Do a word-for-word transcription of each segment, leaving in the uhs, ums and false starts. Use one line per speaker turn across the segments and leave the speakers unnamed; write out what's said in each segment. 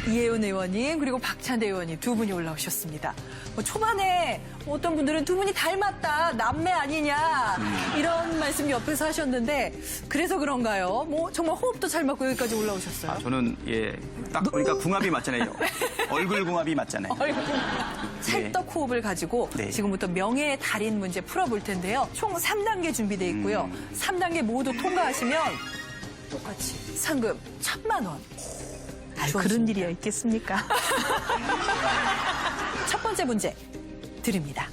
이혜원 의원님 그리고 박찬대 의원님 두 분이 올라오셨습니다. 뭐 초반에 어떤 분들은 두 분이 닮았다, 남매 아니냐 이런 말씀 옆에서 하셨는데 그래서 그런가요? 뭐 정말 호흡도 잘 맞고 여기까지 올라오셨어요.
아, 저는 예, 딱 보니까 궁합이 맞잖아요. 얼굴 궁합이 맞잖아요.
얼굴 찰떡 호흡을 가지고
네.
지금부터 명예의 달인 문제 풀어볼 텐데요. 총 삼 단계 준비되어 있고요.
음.
삼 단계 모두 통과하시면 똑같이 상금 천만 원.
아유, 그런 일이야 있겠습니까?
첫 번째 문제 드립니다.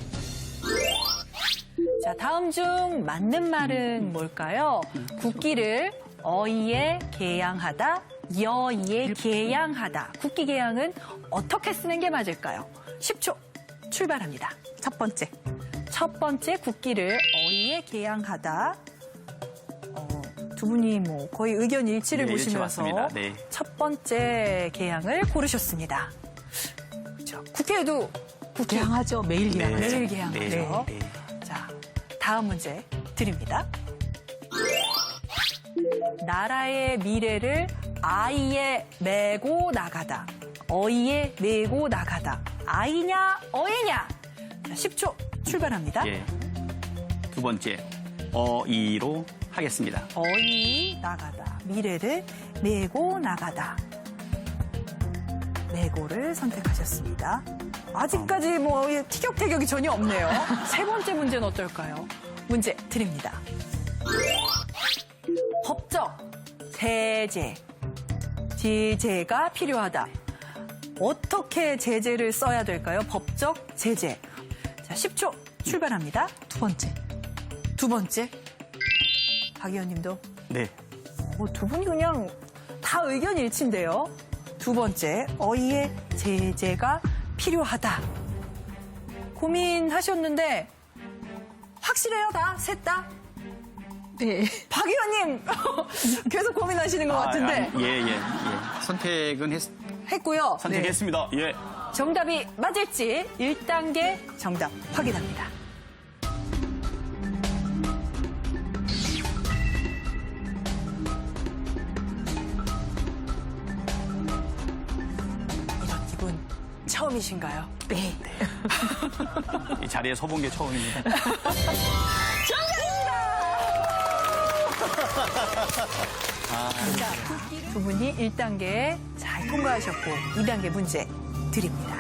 자, 다음 중 맞는 말은 뭘까요? 국기를 어이에 개양하다, 여이에 개양하다. 국기 개양은 어떻게 쓰는 게 맞을까요? 십 초 출발합니다.
첫 번째.
첫 번째 국기를 어이에 개양하다. 어, 두 분이 뭐 거의 의견 일치를
네,
보시면서
일치 맞습니다. 네.
첫 번째 개양을 고르셨습니다. 자, 국회에도 국기
개양하죠. 매일
네.
개양하죠.
매일 개양하죠.
네. 네.
자, 다음 문제 드립니다. 나라의 미래를 아이에 메고 나가다. 어이에 메고 나가다. 아이냐, 어이냐? 자, 십 초 출발합니다.
예. 두 번째, 어이로 하겠습니다.
어이 나가다. 미래를 메고 나가다. 메고를 선택하셨습니다. 아직까지 뭐 티격태격이 전혀 없네요. 세 번째 문제는 어떨까요? 문제 드립니다. 법적 제재. 제재가 필요하다. 어떻게 제재를 써야 될까요? 법적 제재. 자, 십 초 출발합니다.
두 번째.
두 번째. 박 의원님도
네.
어, 두 분이 그냥 다 의견 일치인데요. 두 번째, 어이의 제재가 필요하다. 고민하셨는데 확실해요, 다? 셋 다?
네.
박 의원님 계속 고민하시는 것 같은데
아, 아, 예, 예, 예. 선택은 했,
했고요.
선택했습니다. 예.
네. 정답이 맞을지 일 단계 정답 확인합니다. 이런 기분 처음이신가요?
네.
이 자리에 서본 게 처음입니다.
자, 두 분이 일 단계 잘 통과하셨고 이 단계 문제 드립니다.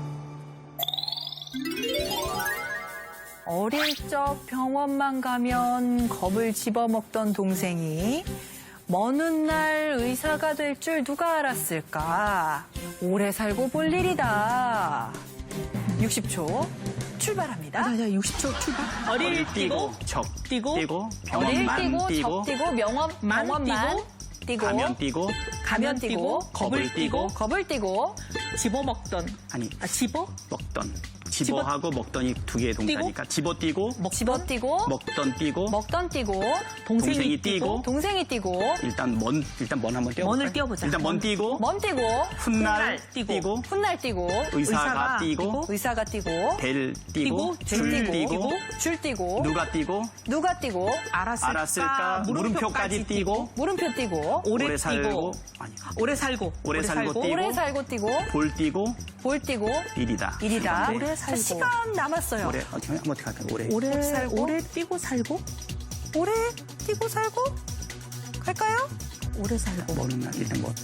어릴 적 병원만 가면 겁을 집어먹던 동생이 먼 훗날 의사가 될 줄 누가 알았을까? 오래 살고 볼 일이다. 육십 초 출발합니다.
자, 자, 육십 초 출발. 어릴 뛰고,
적
뛰고,
뛰고,
어릴
병원만
뛰고,
뛰고,
적 뛰고, 명원,
만
병원만 뛰고,
가면 뛰고,
가면 뛰고,
겁을 뛰고,
겁을 뛰고,
집어먹던.
아니,
아, 집어?
먹던. 집어하고 먹던이 두 개의 동사니까 집어 뛰고,
집어 뛰고,
먹던 뛰고,
먹던 뛰고,
동생이,
동생이
뛰고,
뛰고,
동생이 뛰고,
일단 먼 일단 먼 한번 뛰어.
먼을 띄워보자.
일단 먼 뛰고,
먼 뛰고,
훗날
뛰고,
뛰고,
훗날 뛰고,
의사가
의사가
뛰고,
의사가 뛰고,
벨 뛰고,
뛰고,
줄
줄
뛰고,
뛰고,
줄 뛰고,
누가 뛰고,
누가 뛰고,
알았을까,
알았을까, 물음표까지 뛰고,
물음표 뛰고,
오래,
오래 살고,
뛰고,
아니,
오래 살고,
오래 살고 뛰고,
오래 살고 뛰고,
볼 뛰고,
볼 뛰고,
일이다.
일이다.
네.
오래
자,
살고.
시간 남았어요.
오래 어떻게 한번 어떻게 할까요? 오래.
오래,
살고.
오래 뛰고 살고,
오래 뛰고 살고 갈까요?
오래 살고.
뭐는 날 일단 뭐.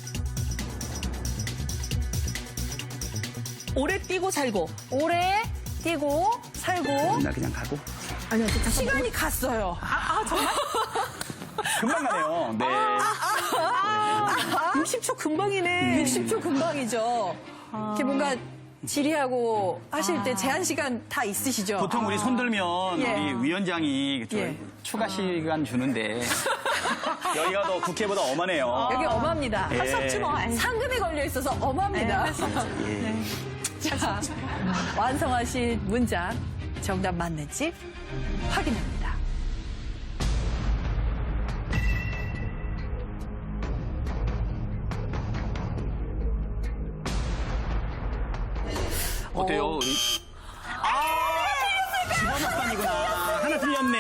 오래 뛰고 살고.
오래 뛰고 살고
날 그냥 가고.
아니야, 잠깐만.
시간이 갔어요.
아, 아, 정말?
금방 가네요. 네.
육십 초 금방이네.
육십 초 금방이죠. 이렇게 뭔가 질의하고 하실 때 제한 시간 다 있으시죠?
보통 우리 손 들면
예.
우리 위원장이 저
예.
추가 시간 주는데 여기가 더 국회보다 엄하네요.
여기 엄합니다.
예.
할 수 없지 뭐. 아이.
상금이 걸려 있어서 엄합니다.
예.
자, 완성하신 문장 정답 맞는지 확인합니다.
어때요?
어.
우리? 아, 집어먹던이구나. 하나 틀렸네.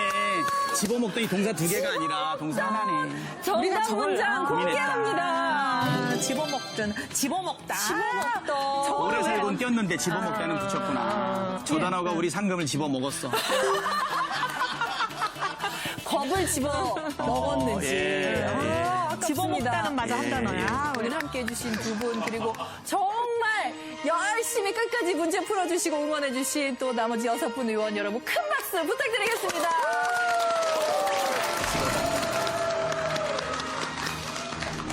집어먹던이 동사 두 개가 아니라 동사 하나네.
정답
저걸-
문장
아,
공개합니다.
집어먹든, 집어먹다.
집어먹던.
오래 살곤 뛰었는데 집어먹다는 붙였구나. 저 단어가 우리 상금을 집어먹었어.
겁을 집어 먹었는지.
예.
아, 아깝습니다.
집어먹다는 맞아 한
예,
단어야.
오늘 함께 해주신 두 분, 그리고 정말 열심히 끝까지 문제 풀어주시고 응원해주신 또 나머지 여섯 분 의원 여러분 큰 박수 부탁드리겠습니다.